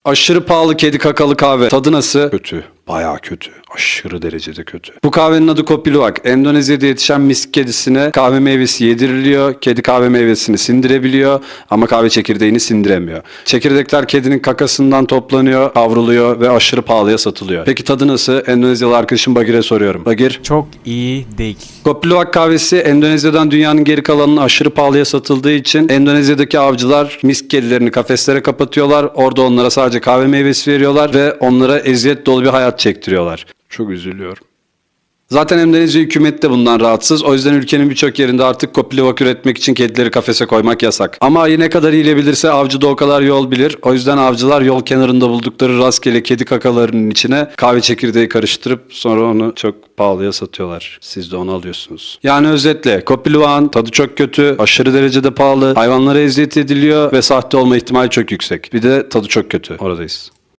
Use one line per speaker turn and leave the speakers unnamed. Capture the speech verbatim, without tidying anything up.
Aşırı pahalı kedi kakalı kahve. Tadı nasıl? Kötü. Bayağı kötü. Aşırı derecede kötü. Bu kahvenin adı Kopi Luwak. Endonezya'da yetişen misk kedisine kahve meyvesi yediriliyor. Kedi kahve meyvesini sindirebiliyor ama kahve çekirdeğini sindiremiyor. Çekirdekler kedinin kakasından toplanıyor, kavruluyor ve aşırı pahalıya satılıyor. Peki tadı nasıl? Endonezyalı arkadaşım Bagir'e soruyorum. Bagir?
Çok iyi değil.
Kopi Luwak kahvesi Endonezya'dan dünyanın geri kalanına aşırı pahalıya satıldığı için Endonezya'daki avcılar misk kedilerini kafeslere kapatıyorlar. Orada onlara sadece kahve meyvesi veriyorlar ve onlara eziyet dolu bir hayat çektiriyorlar. Çok üzülüyorum. Zaten Endonezya hükümeti de bundan rahatsız. O yüzden ülkenin birçok yerinde artık Kopi Luwak üretmek için kedileri kafese koymak yasak. Ama ayı ne kadar iyilebilirse avcı da o kadar yol bilir. O yüzden avcılar yol kenarında buldukları rastgele kedi kakalarının içine kahve çekirdeği karıştırıp sonra onu çok pahalıya satıyorlar. Siz de onu alıyorsunuz. Yani özetle Kopi Luwak'ın tadı çok kötü, aşırı derecede pahalı, hayvanlara eziyet ediliyor ve sahte olma ihtimali çok yüksek. Bir de tadı çok kötü. Oradayız.